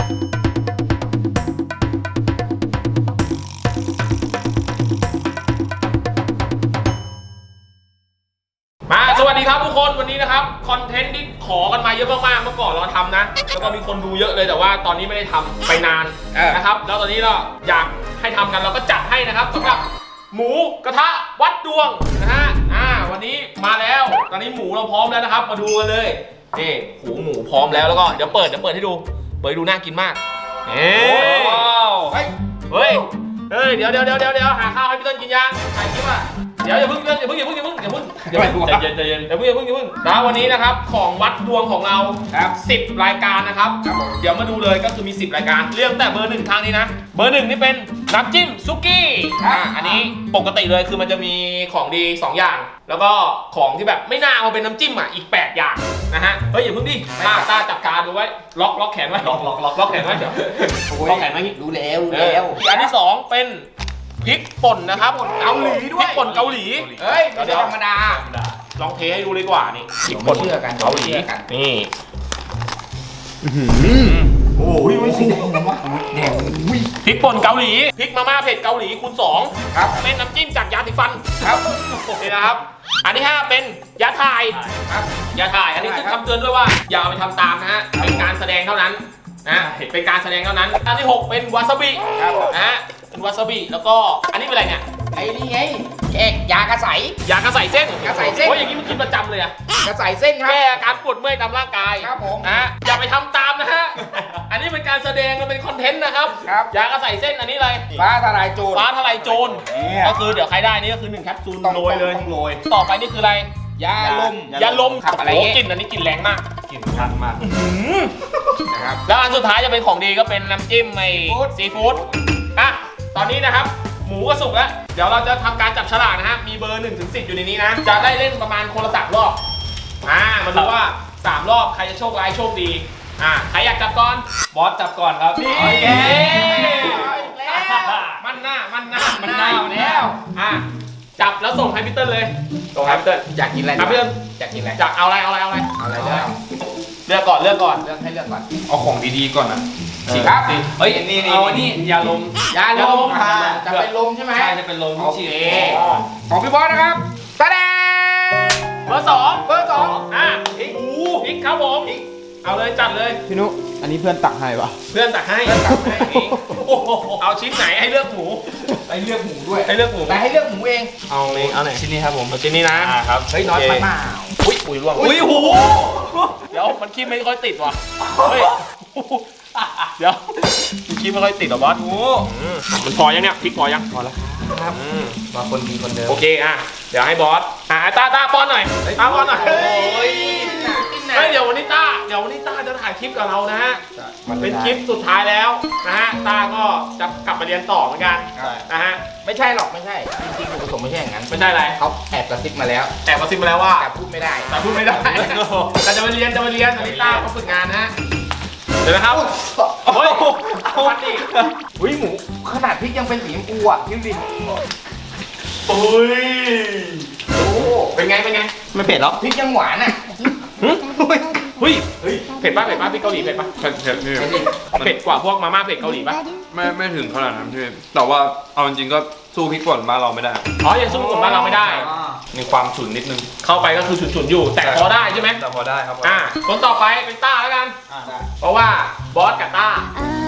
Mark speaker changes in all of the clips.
Speaker 1: สวัสดีครับทุกคนวันนี้นะครับคอนเทนต์ที่ขอกันมาเยอะมากๆเมื่อก่อนเราทำนะแล้วก็มีคนดูเยอะเลยแต่ว่าตอนนี้ไม่ได้ทำไปนานนะครับแล้วตอนนี้เราอยากให้ทำกันเราก็จัดให้นะครับสำหรับหมูกระทะวัดดวงนะฮะวันนี้มาแล้วตอนนี้หมูเราพร้อมแล้วนะครับมาดูกันเลยนี่หมูพร้อมแล้วแล้วก็เดี๋ยวเปิดให้ดูน่ากินมากเฮ้ยเดี๋ยวหาข้าวให้พี่ต้นกินยังถ่ายคลิปอ่ะเดี๋ยวอย่าเพิ่งใจเย็นนะวันนี้นะครับของวัดดวงของเรา10 รายการนะครับเดี๋ยวมาดูเลยก็คือมี10 รายการเรื่องแต่เบอร์1ทางนี้นะเบอร์1นี่เป็นน้ำจิ้มซุกี้อันนี้ปกติเลยคือมันจะมีของดี2 อย่างแล้วก็ของที่แบบไม่น่าเอาเป็นน้ำจิ้มอ่ะอีก8 อย่างนะฮะเฮ้ยอย่าเพิ่งดิตาจับการดูไว้ล็อกแขนไว้ล็อกแขนไว้เดี๋ยวล็อกแขนไว้รู้แล้วอันที่2เป็นพริกป่นนะครับเกาหลีด้วยพริกป่นเกาหลี
Speaker 2: เฮ้ยไม่ใช่ธรรมดา
Speaker 1: ลองเทให้ดูเลยดีกว่านี่พริกป่นเกาหลีนี่โอ้ยไม่สีแดงนะวะแดงพริกป่นเกาหลีพริกมาม่าเผ็ดเกาหลีคูณ2ครับเป็นน้ำจิ้มจากยาสีฟันครับนี่นะครับอันที่5เป็นยาถ่ายครับยาถ่ายอันนี้คือคำเตือนด้วยว่าอย่าเอาไปทำตามนะฮะเป็นการแสดงเท่านั้นนะเป็นการแสดงเท่านั้นอันที่6เป็นวาซาบินะฮะเป็นวาซาบิแล้วก็อันนี้เป็นอะไรเนี่ย
Speaker 2: ไอ้นี่ไงยากระใส
Speaker 1: เส้นโอ้ยอย่างนี้มันกินประจำเลยอะ
Speaker 2: กระใสเส้นครับ
Speaker 1: แก้อาการปวดเมื่อยตามร่างกาย
Speaker 2: ครับผม
Speaker 1: นะอย่าไปทำตามนะฮะอันนี้เป็นการแสดงมันเป็นคอนเทนต์นะครับยากระใสเส้นอันนี้อะไร
Speaker 2: ฟ้าทลายโจร
Speaker 1: ก็คือเดี๋ยวใครได้นี่ก็คือ1 แคปซูลโรยเลยต่อไปนี่คืออะไร
Speaker 2: ยาลม
Speaker 1: อะไรกลิ่นอันนี้กลิ่นแรงมาก
Speaker 3: กลิ่นชัดมาก
Speaker 1: นะครับแล้วอันสุดท้ายจะเป็นของดีก็เป็นน้ำจิ้มไอ้ซีฟู้ดตอนนี้นะครับหมูก็สุกแล้วเดี๋ยวเราจะทำการจับฉลากนะฮะมีเบอร์1 ถึง 10อยู่ในนี้นะจะได้เล่นประมาณคนละ3 รอบมาดูว่า3 รอบใครจะโชคร้ายโชคดีใครอยากจับก่อน
Speaker 3: บอสจับก่อนครับ
Speaker 1: นี่มันหน้าแล้วจับแล้วส่งให้พี่เติ้ลเลยส่งให้พี่เติ้ล
Speaker 2: อยากกินอะไร
Speaker 1: พี่เติ้ล
Speaker 2: อยากกินอะไร
Speaker 1: เอาอะไร
Speaker 2: เลือก
Speaker 1: ก่อน
Speaker 2: ให้เลือกก่อน
Speaker 3: เอาของดีๆก่อนนะ
Speaker 2: ครับ
Speaker 3: เฮ้ยนี่เอาอันนี้ยาลม
Speaker 2: จะเป็นลมใช่ไหม
Speaker 3: ใช่จะเป็นลม
Speaker 2: ฉีดของพี่บอสนะครับตาแดง
Speaker 1: เบอร์2พริกครับผมเอาเลยจัดเลย
Speaker 4: พี่นุอันนี้เพื่อนตักให้ปะ
Speaker 1: เพื่อนตักให้เอาชิ้นไหนให้เลือกหมู
Speaker 2: ให้เลือกหมูด้วย
Speaker 1: ให้เลือกหมู
Speaker 2: แต่ให้เลือกหมูเอง
Speaker 1: เอาไหนชิ้นนี้ครับผมชิ้นนี้
Speaker 2: นะครับ
Speaker 1: เฮ้ยน้อยไปมากอุ้ยร่วงโหเดี๋ยวมันขี้ไม่ค่อยติดว่ะเฮ้ยเดี๋ยวขี้ไม่ค่อยติดหรอบอสมันพอยังเนี่ยพริกพอยัง
Speaker 2: พอแล้วครับมาคนดีคนเดิม
Speaker 1: โอเคเดี๋ยวให้บอสตาป้อนหน่อยป้อนหน่อยเฮ้ยเดี๋ยววันนี้ต้าจะถ่ายคลิปกับเรานะฮะเป็นคลิปสุดท้ายแล้วนะฮะต้าก็จะกลับมาเรียนต่อเหมือนกันนะฮะ
Speaker 2: ไม่ใช่หรอกไม่ใช่จริงๆผสมไม่ใช่อย่างนั้น
Speaker 1: ไม่ใช่อะไร
Speaker 2: เขาแอบกระซิบมาแล้ว
Speaker 1: ว่า
Speaker 2: แต่พูดไม่ได้
Speaker 1: แต่จะมาเรียนอันนี้ต้าเขาฝึกงานนะฮะเดี๋ยวนะครับเฮ้ยวัดดิ
Speaker 2: หมูขนาดพริกยังเป็นสีชมพูอ่ะพี่ดิน
Speaker 1: โอ้ยเป็นไง
Speaker 4: ไม่เผ็ดหรอ
Speaker 2: พริกยังหวานอ่ะ
Speaker 1: เฮ้ยเผ็ดป่ะพริกเกาหลีเผ็ดป่ะเผ็ดกว่าพวกมาม่าเผ็ดเกาหลีป่ะ
Speaker 3: ไม่ถึงขนาดนั้นพี่แต่ว่าเอาจริงๆก็สู้พริกป่นบ้านเราไม่ได้
Speaker 1: ยังสู้พริกป่นบ้านเราไม่ได้
Speaker 3: มีความฉุนนิดนึง
Speaker 1: เข้าไปก็คือฉุนอยู่แต่พอได้ใช่ไหม
Speaker 3: แต่พอได้ครับ
Speaker 1: คนต่อไปเป็นต้าแล้วกันเพราะว่าบอสกับต้า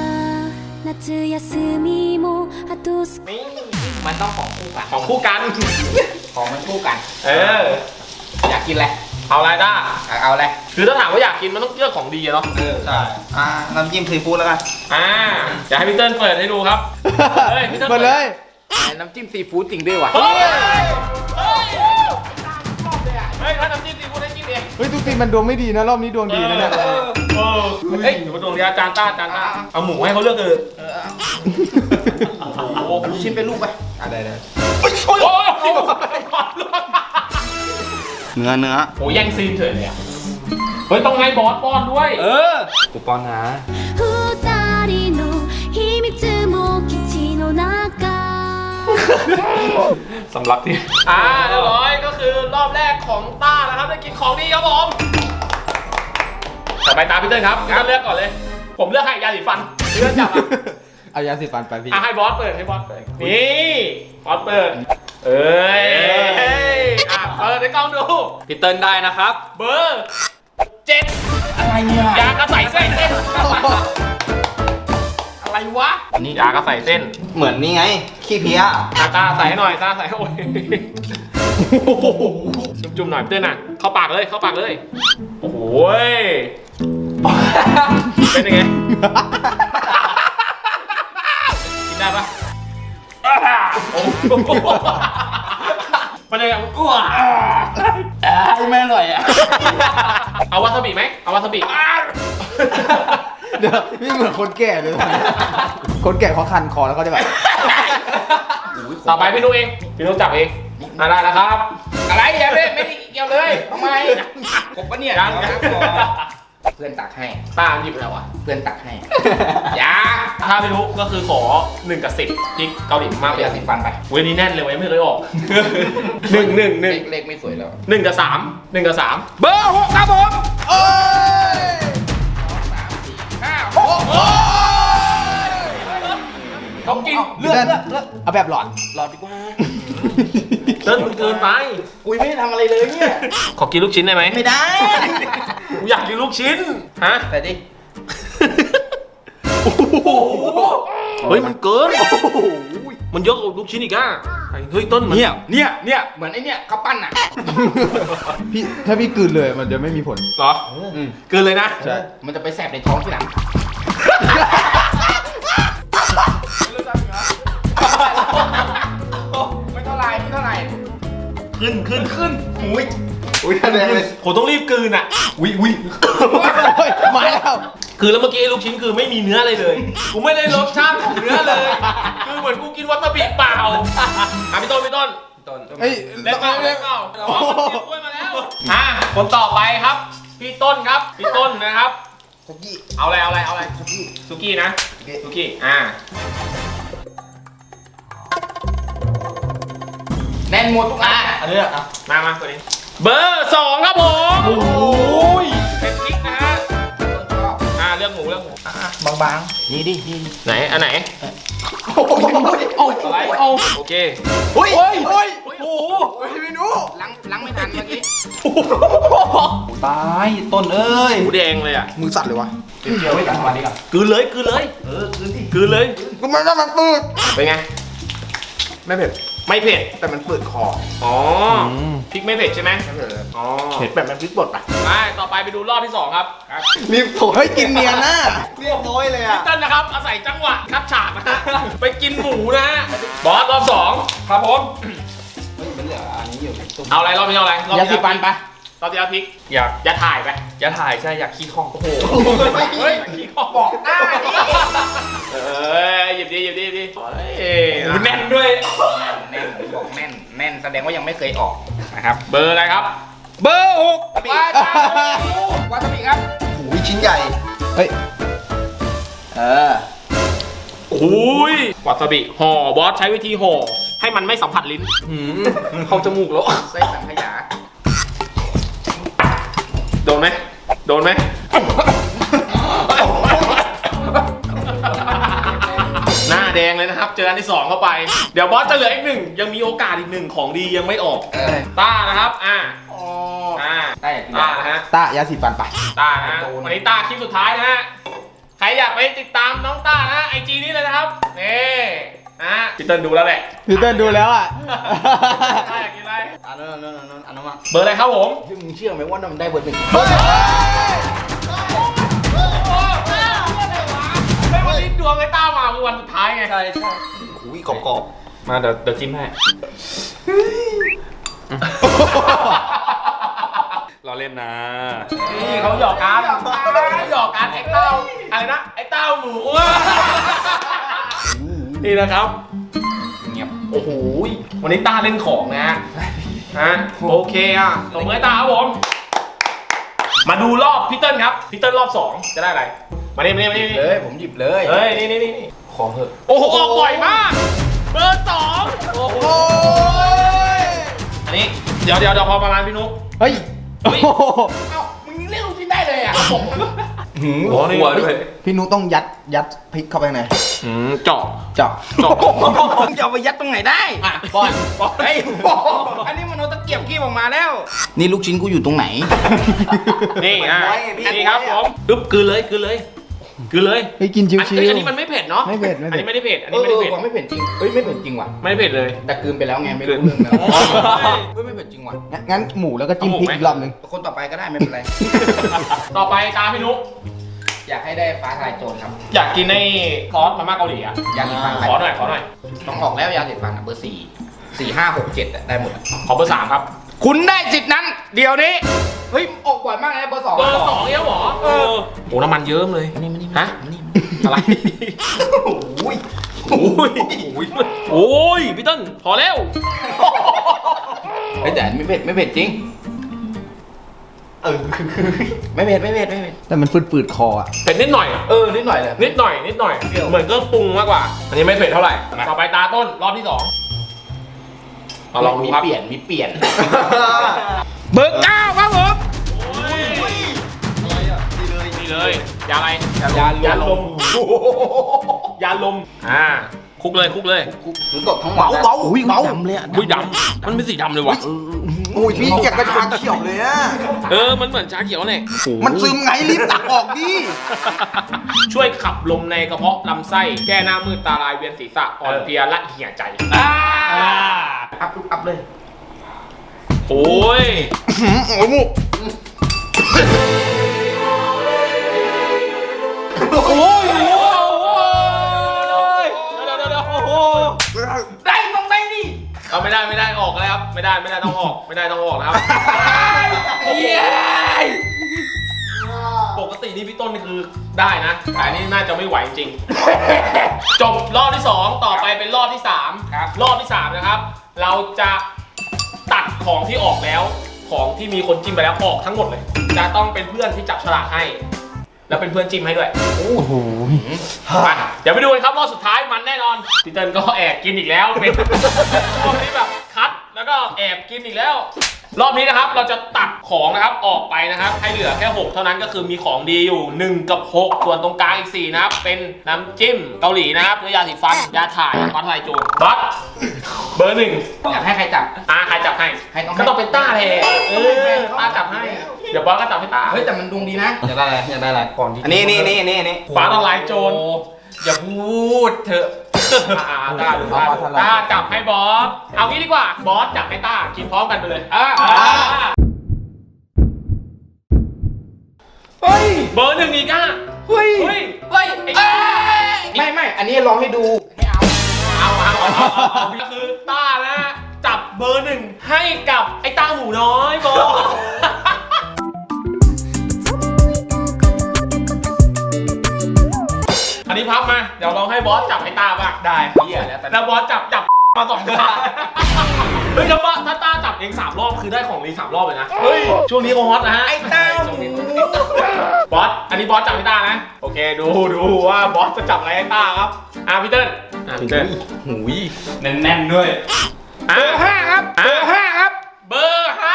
Speaker 2: นี่มันต้องของคู่กัน
Speaker 1: ของ
Speaker 2: มันคู่กันอยากกินอะไร
Speaker 1: เอาอะไรต้า
Speaker 2: เอาอะไร
Speaker 1: คือถ้าถามว่าอยากกินมันต้องเลือกของดีเนาะ
Speaker 4: ใช่น้ำจิ้มซีฟู้ดแล้วกัน
Speaker 1: อยากให้พี่เติ้ลเปิดให้ดูครับ
Speaker 4: เปิดเลย
Speaker 2: น้ำจิ้มซีฟู้ดจริงด้วยวะ
Speaker 1: ถ้าน้ำจิ้มซีฟู้ดให้กินเอง
Speaker 4: ทุกทีมันดวงไม่ดีนะรอบนี้ดวงดีนะเนี่ย
Speaker 1: เดี๋ยวมาดวงดีจานต้าเอาหมูให้เขาเลือกเลย
Speaker 2: ชิ้นเป็นลูกไปได้
Speaker 4: เนื้อ
Speaker 1: โอ้แย่งซีนเฉยเลยเฮ้ยต้องให้บอสป้อนด้วย
Speaker 3: กูป้อนนะสำลักที่
Speaker 1: เรียบร้อยก็คือรอบแรกของต้านะครับได้กินของดีครับผมต่อไปตาพี่เติ้ลครับพี่เติ้ลเลือกก่อนเลยผมเลือกให้ยาสีฟันเลือกจับอ่ะ
Speaker 4: เอายาสีฟันไปพี่
Speaker 1: ให้บอสเปิดให้บอสเปิดนี่บอสเปิดเอ้ยเปิดให้กล้องดู
Speaker 3: พี่เติ้ลได้นะครับ
Speaker 1: เบอร์7
Speaker 2: อะไรเนี่ย
Speaker 1: ยากระใสเส้น
Speaker 2: อะไรวะ
Speaker 1: นี่ยากระใสเส้น
Speaker 4: เหมือนนี่ไง ขี้เพี้ย
Speaker 1: ตาใส่ให้หน่อยตาใส่ให้โอ้ยจุ่มๆหน่อยเตือนน่ะเข้าปากเลยเข้าปากเลยโอ้โหเป็นยังไงกินได้ปะโอ้โหมันยังไงอ้ว
Speaker 2: ไม่อร่อยอ่ะ
Speaker 1: เอาวาซาบิไหมเอาวาซาบิ
Speaker 4: เดี๋ยวนี่เหมือนคนแก่เลยคนแก่เขาคันคอแล้วเขาจะแบบ
Speaker 1: ต่อไปพี่นุ๊กเองพี่นุ๊กจับเองได้แล้วครับ
Speaker 2: อะไรอย่าไม่ได้เกี่ยวเลยทำไมกบปะเนี่ย
Speaker 1: ยัง
Speaker 2: เพื่อนตักให้
Speaker 1: ตาหยิบแล้วอ่ะ
Speaker 2: เพื่อนตักให้ยา
Speaker 1: ถ้าไม่รู้ก็คือขอ1 กับ 10พริกเกาหลีมากเลย
Speaker 2: ยาสีฟันไป
Speaker 1: เว้ยนี่แน่นเลยเว้ยไม่เคยออก 1
Speaker 2: เลขไม่สวยแล้ว
Speaker 1: 1 กับ 3 1 กับ 3 เบอร์ 6 ครับผม
Speaker 4: โอ้ย
Speaker 2: 5 6
Speaker 1: เขากิน
Speaker 2: เลือก
Speaker 4: เอาแบบหลอน
Speaker 2: หลอดดีกว่า
Speaker 1: เติมเกินไป
Speaker 2: อุ้ยไม่ได้ทำอะไรเลยเนี่ย
Speaker 1: ขอกินลูกชิ้นได้ไหม
Speaker 2: ไม่ได้
Speaker 1: กูอยากกินลูกชิ้นฮะ
Speaker 2: แต่ดิ
Speaker 1: เฮ้ยมันเกินมันเยอะกว่าลูกชิ้นอีกอ่ะเฮ้ยต้นมัน
Speaker 2: เนี่ยเหมือนไอ้เนี่ยข้าวปั้นอ่ะ
Speaker 4: พี่ถ้าพี่กลืนเลยมันจะไม่มีผล
Speaker 1: เหรอเกินเลยนะ
Speaker 4: ใช่
Speaker 2: มันจะไปแสบในท้องทีหลังไม่เท่าไรไม่เท่าไร
Speaker 1: ขึ้น
Speaker 2: อุ้ย
Speaker 4: อุ้ยท่านแดงเลย
Speaker 1: ผมต้องรีบกลืนอ่ะ
Speaker 4: โอ้ยมาแล้ว
Speaker 1: คือแล้วเมื่อกี้ไอ้ลูกชิ้นคือไม่มีเนื้ออะไรเลย กูไม่ได้รสชาติของเนื้อเลย คือเหมือนกูกินวาซาบิเปล่าพี่ต้น
Speaker 4: เฮ้ย
Speaker 1: เล่นเปล่าอ๋อมันเก็บกล้วยมาแล้วคนต่อไปครับ พี่ต้นครับ พี่ต้นนะครับ
Speaker 2: คุกกี้
Speaker 1: เอาอะไรสุกี้นะสุกี้
Speaker 2: แน่นหมดทุกอัน
Speaker 4: อันนี้อ่ะ
Speaker 1: มาตัวนี้ เบอร์ 2 ครับผม
Speaker 4: โอ้ย
Speaker 1: เป็นพริกนะฮะเรื่องหมู
Speaker 2: บางๆนี่ดิ
Speaker 1: ไหนอันไหน
Speaker 2: โอ้ย
Speaker 1: อะไรโอเค
Speaker 4: โอ้ยโอ้ยโอ้ย
Speaker 1: โอ้โห
Speaker 4: ไม่รู้
Speaker 2: ล้างไม่ทันเมื่อกี้
Speaker 4: ตายต้นเอ้ย
Speaker 1: หมูแดงเลยอ่ะ
Speaker 4: มือสั่นเลยวะ
Speaker 2: เดี๋ยวไว้กันวันนี้ก่อน
Speaker 1: กลืนเลย
Speaker 2: คืนที่
Speaker 1: กลืนเลย
Speaker 4: ก็มันต้องมันปืด
Speaker 1: เป็นไง
Speaker 4: ไม่เผ็ด
Speaker 1: ไม่เผ็ด
Speaker 4: แต่มันปืดคอ
Speaker 1: อ๋อพริกไม่เผ็ดใช่ไหม
Speaker 4: ไม่เผ็ดเลย
Speaker 1: อ๋อ
Speaker 4: เผ็ดแบบมันพริกป่นปะ
Speaker 1: ไปต่อไปไปดูรอบที่ 2 ครับ
Speaker 4: รีบโถเฮ้ยกินเนียนน่ะเรียบร้อยเลยอ่ะ
Speaker 1: พี่เต้นนะครับ อาศัยจังหวะคัดฉากนะฮะ ไปกินหมูนะฮะ บอสรอบ 2 ครับผม
Speaker 2: มันเหลืออันนี้อยู่ตุ้ม
Speaker 1: เอาอะไรรอบนี้เอาอะไรรอบ
Speaker 2: ยาสีฟันไป
Speaker 1: รอบที่แล้วพริก
Speaker 3: อยาก
Speaker 1: ถ่ายไป
Speaker 3: ใช่อยากขี้คองโอ้โห
Speaker 1: เฮ้ยขี้ขอบอกหน้าดิหยิบดิแน่นด้วย
Speaker 2: แน่นบอกแน่นแสดงว่ายังไม่เคยออกนะครับ
Speaker 1: เบอร์อะไรครับ
Speaker 3: เบอร์
Speaker 2: วาซาบิครับ
Speaker 4: หูยชิ้นใหญ่ เฮ้ย
Speaker 1: โอ้ยวาซาบิห่อบอสใช้วิธีห่อให้มันไม่สัมผัสลิ้นเข้าจมูกแล้ว
Speaker 2: ไส้สังขยา
Speaker 1: โดนไหมหน้าแดงเลยนะครับ เจออันที่ 2 เข้าไป เดี๋ยวบอสจะเหลืออีก 1ยังมีโอกาสอีก 1ของดียังไม่ออกต้านะครับ
Speaker 2: ได้อย่าง
Speaker 1: ต้านะฮะ
Speaker 4: ตายาสีฟันไป
Speaker 1: ต้านะฮะวันนี้ต้าคลิปสุดท้ายนะฮะใครอยากไปติดตามน้องต้านะไอจีนี้เลยนะครับนี่นะพี่เติ้ลดูแล้วแหละ
Speaker 4: พี่เติ้ลดูแล้วอ่ะ
Speaker 1: ต้าอยากกินอะไร
Speaker 2: อันนั้นมา
Speaker 1: เบอร์อะไรครับผม
Speaker 2: มึงเชื่อไหมว่ามันได้เบอร์ 1
Speaker 1: ไม่วันนี้ดวงไอ้ต้ามาคือวันสุดท้ายไง
Speaker 3: ใช่
Speaker 4: หูยกรอบ
Speaker 3: มาเดี๋ยวจิ้มให้เราเล่นนะ
Speaker 1: นี่เขาหยอกกันไอ้เต้าอะไรนะไอ้เต้าหมูนี่นะครับ
Speaker 2: เงียบ
Speaker 1: โอ้โหวันนี้ต้าเล่นของนะโอเคอ่ะตบมือให้ต้าครับผมมาดูรอบพี่เติ้ลครับพี่เติ้ลรอบ 2จะได้อะไรมานี่
Speaker 2: เลยผมหยิบเลย
Speaker 1: เฮ้ยนี่ขอเถอะโอ้โหออกบ่อยมากเบอร์ 2โอ้โหอันนี้เดี๋ยวพอประมาณพี่นุ๊ก
Speaker 4: เฮ้ย
Speaker 1: เฮ้ย
Speaker 2: เอ้ามึงยังเรียกลูกชิ้นได้เลยอ่ะ
Speaker 1: โอ้นี่
Speaker 3: หัวด้วย
Speaker 4: พี่นุต้องยัดพริกเข้าไปข้างใน
Speaker 1: เจาะ
Speaker 4: เจาะ
Speaker 1: เจาะ
Speaker 2: มึงจะเอาไปยัดตรงไหนได้อ่ะบอลไอ้อันนี้มันเอาตะเกียบขี้ออกมาแล้ว นี่ลูกชิ้นกูอยู่ตรงไหน
Speaker 1: นี่อ่ะ
Speaker 2: ไว้ไงพี่
Speaker 1: นี่ครับผมปึ๊บกลืนเลยกลืนเลยกลืนเลย
Speaker 4: เฮ้ยกินชิว
Speaker 1: อันนี้มันไม่เผ็ดเนาะ
Speaker 4: ไม่เผ็ด
Speaker 1: อันนี้ไม่ได้เผ็ดอัน
Speaker 2: เอ
Speaker 1: นี้
Speaker 2: อ
Speaker 1: ไม่ได้เผ็ด
Speaker 2: ว่ะไม่เผ็ดจริงเฮ้ยไม่เผ็ดจริงว่ะ
Speaker 1: ไม่ได้เผ็ดเลย
Speaker 2: แต่กลืนไปแล้วไงไม่รู้เรื่องแล้ว
Speaker 1: อ๋อ
Speaker 2: เฮ้ยไม่เผ็ดจริงว่ะ
Speaker 4: งั้นหมูแล้วก็จิ้มพริกอีกรอบนึง
Speaker 2: คนต่อไปก็ได้ไม่เป็นไร
Speaker 1: ต่อไปตามพี่นุ๊ก
Speaker 2: อยากให้ได้ฟ้าทลายโจรครับ
Speaker 1: อยากกินในซอสมาม่าเกาหลีอ่ะ
Speaker 2: ยาสีฟัน
Speaker 1: ขอหน่อยขอหน่อย
Speaker 2: ต้องออกแล้วยาสีฟันอ่ะเบอร์ 4 5 6 7ได้หมดอะ
Speaker 1: ขอเบอร์ 3ครับ
Speaker 2: คุณได้สิทธิ์นั้น เดี๋ยวนี้ เฮ้ย ออกบ่อยมากเลยเบอร์ 2
Speaker 1: เบอร์ 2เนี่ยหรอโอ้น้ำมันเยิ้มเลย
Speaker 2: มานี่
Speaker 1: ฮะ
Speaker 2: มานี่
Speaker 1: อะไร
Speaker 2: โอ้ย
Speaker 1: โอ้ยโอ้ยพี่ต้นพอแล้ว
Speaker 2: เฮ้ยแต่ไม่เผ็ดจริงไม่เผ็ด
Speaker 4: แต่มันฝืดๆคออ่ะ
Speaker 1: เผ็ดนิดหน่อย
Speaker 2: นิดหน่อยเลย
Speaker 1: นิดหน่อยเหมือนเครื่องปรุงมากกว่า อันนี้ไม่เผ็ดเท่าไหร่ต่อไปตาต้นรอบที่ 2มาลองดูครับ
Speaker 2: มีเปลี่ยน เบอร์ 9 ครับผม
Speaker 1: นี่เลยยาอะไร
Speaker 2: ยาลม
Speaker 1: ยาลมคลุกเลย
Speaker 2: หรือกดทั้งหมดเบาดำเลยอ่ะ
Speaker 1: อุ้ยดำมันเป็นสีดำเลยว่ะ
Speaker 4: โอ้ยพี่อยากกระชากเขียวเลยอ่ะ
Speaker 1: มันเหมือนชาเขียวเนี่ย
Speaker 4: มันซึมไงรีบตักออกดิ
Speaker 1: ช่วยขับลมในกระเพาะลำไส้แก้หน้ามืดตาลายเวียนศีรษะอ่อนเพลียและเหี่ยใจ
Speaker 2: อัพเลย
Speaker 1: โอ้ย
Speaker 4: โอ้ยหมู
Speaker 1: โอ้ยเดี๋ยว
Speaker 2: ได้ต้องได้ดิ
Speaker 1: เอาไม่ได้ออกแล้วครับไม่ได้ต้องออกนะครับปกตินี่พี่ต้นนี่คือได้นะแต่อันนี้น่าจะไม่ไหวจริงจบรอบที่ 2 ต่อไปเป็นรอบที่ 3
Speaker 2: ครับ
Speaker 1: รอบที่ 3 นะครับ เราจะตัดของที่ออกแล้วของที่มีคนจิ้มไปแล้วออกทั้งหมดเลย จะต้องเป็นเพื่อนที่จับฉลากให้ แล้วเป็นเพื่อนจิ้มให้ด้วย
Speaker 4: โอ้โห
Speaker 1: มาเดี๋ยวไปดูกันครับรอบสุดท้ายมันแน่นอนพี่เติ้ลก็แอบกินอีกแล้วเป็นรอบนี้แบบคัดแล้วก็แอบกินอีกแล้ว รอบนี้นะครับเราจะตัดของนะครับออกไปนะครับให้เหลือแค่ 6 เท่านั้นก็คือมีของดีอยู่1กับ6ส่วนตรงกลางอีก4นะครับเป็นน้ำจิ้มเกาหลีนะครับด้วยยาสีฟันยาถ่ายฟ้าทลายโจรบัสเบอร์ 1
Speaker 2: อยากให้ใครจับ
Speaker 1: ใครจับให้
Speaker 2: ให้ต้อง
Speaker 1: ก็ต้องเป็นต้าเลยต้าจับให้เดี๋ยวบอสก็จับให้ต้า
Speaker 2: เฮ้ยแต่มันดวงดีนะอยากได้อะไรก่อนที่นี่
Speaker 1: ฟ้าทลายโจร
Speaker 2: อย่าพูดเถอะ
Speaker 1: ต้าจับให้บอสเอางี้ดีกว่าบอสจับให้ต้ากินพร้อมกันไปเลย
Speaker 2: เฮ้ย
Speaker 1: เบอร์ 1อีกอ่ะ
Speaker 2: เฮ้ย
Speaker 1: ไอ้
Speaker 2: ไม่อันนี้ลองให้ดูไม่เอา
Speaker 1: เอาก็คือต้านะจับเบอร์ 1ให้กับไอ้ต้าหมูน้อยบอสอันนี้พับมาเดี๋ยวลองให้บอสจับให้ต้าบ้าง
Speaker 2: ได้
Speaker 1: เหี้ยแล้วบอสจับมา2 ครั้งเฮ้ยถ้าต้าจับเอง3 รอบคือได้ของรี3 รอบเลยนะเฮ้ยช่วงนี้เขาฮอตนะฮะ
Speaker 2: ไอ้เต้าหมู
Speaker 1: บอสอันนี้บอสจับให้ต้านะโอเคดูว่าบอสจะจับอะไรให้ต้าครับพี่เติ้ลพี่เติ้ล
Speaker 2: หูย
Speaker 3: แน่นๆด้วย
Speaker 2: เบอร์ 5 ครับเบอร์ 5 ครับ
Speaker 1: เบอร์ 5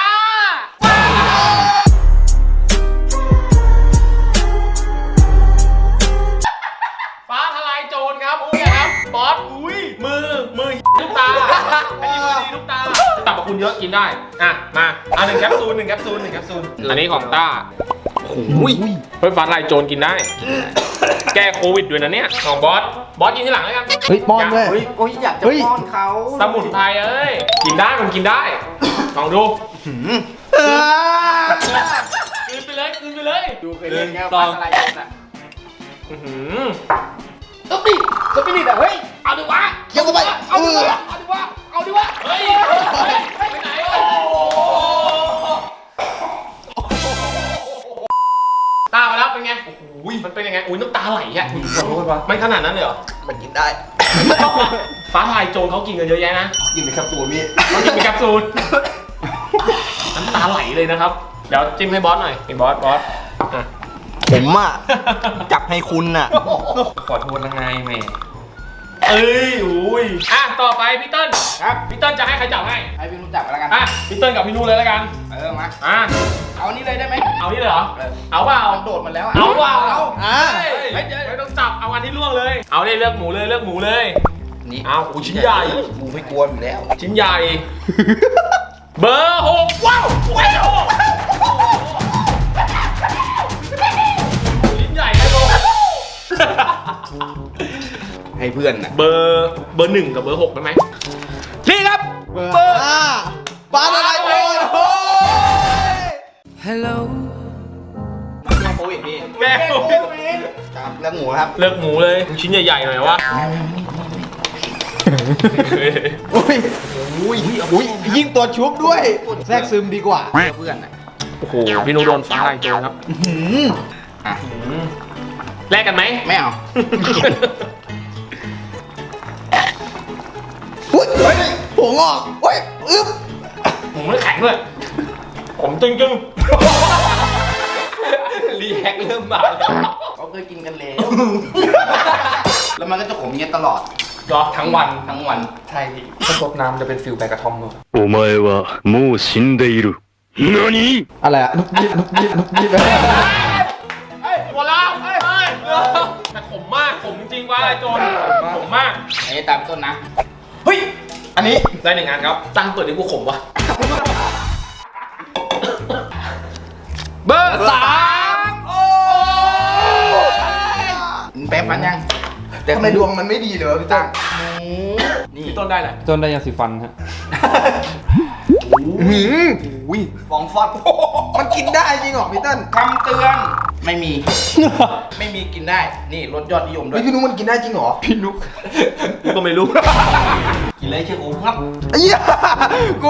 Speaker 1: ฟ้าทลายโจรครับอุ้ยครับบอสอุ้ยมือลูกตาอันนี้มือดีลูกตาตับกับคุณเยอะกินได้มา1 แคปซูลอันนี้ของต้าเฮ้ยฟ้าทลายโจรกินได้ แก้โควิดด้วยนะเนี่ยของบอสกินที่หลังแล้วกัน
Speaker 4: เฮ้ยป้อนด้วย
Speaker 2: โอ้ยอยากจะป้อนเขา
Speaker 1: สมุนไพรเอ้ยกินได้มันกินได้ลองดูกลืนไปเลย
Speaker 2: ดูเคยเล่นแก้วฟ้าทลายโจรอ่ะ
Speaker 1: สปิริตอะเฮ้ยเอาดิวะ
Speaker 4: เคี้ยวเข้าไป
Speaker 1: เอาดิวะเฮ้ยไปไหนตามาแล้วเป็นไงโอ้โหมันเป็นยังไงอุ้ยน้ำตาไหลอ่ะไม่ขนาดนั้นเลยเหรอ
Speaker 4: มันกินได้
Speaker 1: ฟ้าทลายโจรเขากินกันเยอะแยะนะ
Speaker 4: กินไปครับตัวมี
Speaker 1: เขากินเป็นแคปซูลน้ำตาไหลเลยนะครับเดี๋ยวจิ้มให้บอสหน่อยบอส
Speaker 4: ผมอ่ะ จับให้คุณอ่ะ
Speaker 3: ขอโทษนะไงแม่
Speaker 1: เอ้ยอุ้ยต่อไปพี่เติ้ลครับพี่เติ้ลจะให้ใครจับให้
Speaker 2: ให้พี่นุ่นจับกันแล้วกัน
Speaker 1: พี่เติ้ลกับพี่นูเลยแล้วกัน
Speaker 2: มา
Speaker 1: อ่ะ
Speaker 2: เอานี่เลยได้ไหม
Speaker 1: เอานี่เลยเหรอ
Speaker 2: เออ
Speaker 1: เอาเปล่า
Speaker 2: มันโดดมาแล้วอะ
Speaker 1: เอาเปล่า
Speaker 2: เอา
Speaker 4: อ่ะ
Speaker 1: เฮ้ยไม่ต้องจับ เอาอันที่ล่วงเลย เอาเลยเลือกหมูเลยเลือกหมูเลย
Speaker 2: นี่
Speaker 1: เอาโอ้ชิ้นใหญ่
Speaker 2: กูไม่กลัวอยู่แล้ว
Speaker 1: ชิ้นใหญ่ เบอร์6ว้าวว้าวชิ้นใหญ่นะโล
Speaker 2: ให้เพื่อนนะ
Speaker 1: เบอร์1กับเบอร์6ได้ไหมนี่ครับ
Speaker 4: เบอร์ห้าปลาอะไรโอ้ยโอ้ย
Speaker 2: แกโควิดพี่
Speaker 1: แม่
Speaker 2: ครับเรื่องหมูครับ
Speaker 1: เลือกหมูเลยชิ้นใหญ่ๆหน่อยวะ
Speaker 4: อุ้ยอุ้ยยิ่งตัวชุบด้วย แทรกซึมดีกว่า
Speaker 2: เพื่อนนะ
Speaker 1: โอ้โหพี่นุโดนฟ้าลายโจรครับ
Speaker 2: อ่ะ
Speaker 1: แลกกันไหม
Speaker 2: ไม่เอา
Speaker 4: อุ้ยเฮ้ยหัวงอกเฮ้ยอึ๊บ
Speaker 1: หมูไม่แข็งด้วย ผมจึงรีแอคเริ่มมาแล้ว
Speaker 2: เขาเคยกินกันแล้วแล้วมันก็จะขมเงี้ยตลอด
Speaker 1: เหรอทั้งวัน
Speaker 2: ทั้งวัน
Speaker 1: ใช่พี่ถ้าซดน้ำจะเป็นฟิลแบกกระทอมเลย
Speaker 5: お前はもう死んでいる。何？
Speaker 4: อะไรอะนุกยิบนุกยิบนุกยิบ
Speaker 1: หัวเราะแต่ขมมากขมจริงๆว่าไอ้โจรขมมาก
Speaker 2: ไอ้ตามต้นนะ เฮ้ย
Speaker 1: อันนี้ได้1 อันครับตั้งเปิดดิกูขมวะเบอร์ 3 โอ้
Speaker 2: แป๊บมันยัง
Speaker 4: แต่ทำไมดวงมันไม่ดีเลยวะพี่ตั้ง
Speaker 2: นี่
Speaker 1: พี่ต้นได้แหละ
Speaker 3: จนได้ยาสีฟันฮะ
Speaker 4: หืมอุ้ย
Speaker 2: ฟองฟอด
Speaker 4: มันกินได้จริงเหรอพี่ตั้น
Speaker 2: คำเตือน ไม่มี ไม่มีกินได้ นี่ลดยอดนิยมด้ว
Speaker 4: เฮ้
Speaker 2: ย
Speaker 4: ยพี่นุ๊กมันกินได้จริงเหรอ
Speaker 1: พี่นุกกูก็ไม่รู้
Speaker 2: กินเลยเชื่อกูครับ
Speaker 4: ไอ้เหี้ยกู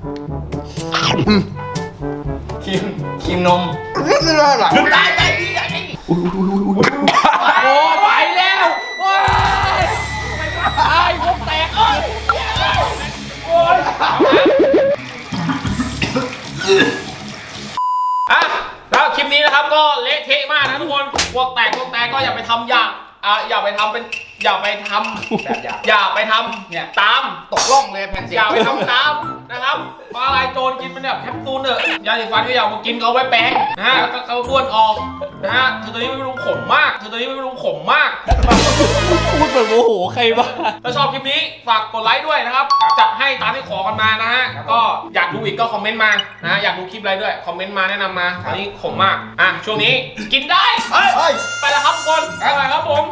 Speaker 2: ครีมนม
Speaker 4: นี่คืออะไร
Speaker 2: ตายดีไอ้
Speaker 1: โอ้ไปแล้วโอ้ยไอ้พวกแตกเอ้ยโอ้ยอ่ะแล้วคลิปนี้นะครับก็เละเทะมากนะทุกคนพวกแตกก็อย่าไปทำอย่าไปทำ
Speaker 2: แบบอย่าง
Speaker 1: อย่าไปทำ
Speaker 2: เนี่ย
Speaker 1: ตาม
Speaker 2: ตกล่องเลยแผ่นเสีย
Speaker 1: อง ย่าไปทำตามนะครับปลาลายโจรกินมันแบบแคปซูลเถอะยาสีฟันก็อย่ามากินเขาไว้แปรงนะฮะแล้วก็เขาบ้วนออกนะฮะคือตัวนี้ไม่รู้ขมมากพูดเหมือนโมโหใครบ้างถ้าชอบคลิปนี้ฝากกดไลค์ด้วยนะครับจัดให้ตามที่ขอกันมานะฮะก็อยากดูอีกก็คอมเมนต์มานะฮะอยากดูคลิปอะไรด้วยคอมเมนต์มาแนะนำมาอันนี้ขมมากอ่ะช่วงนี้กินได้เฮ้ยไปแล้วครับทุกคนไปครับผม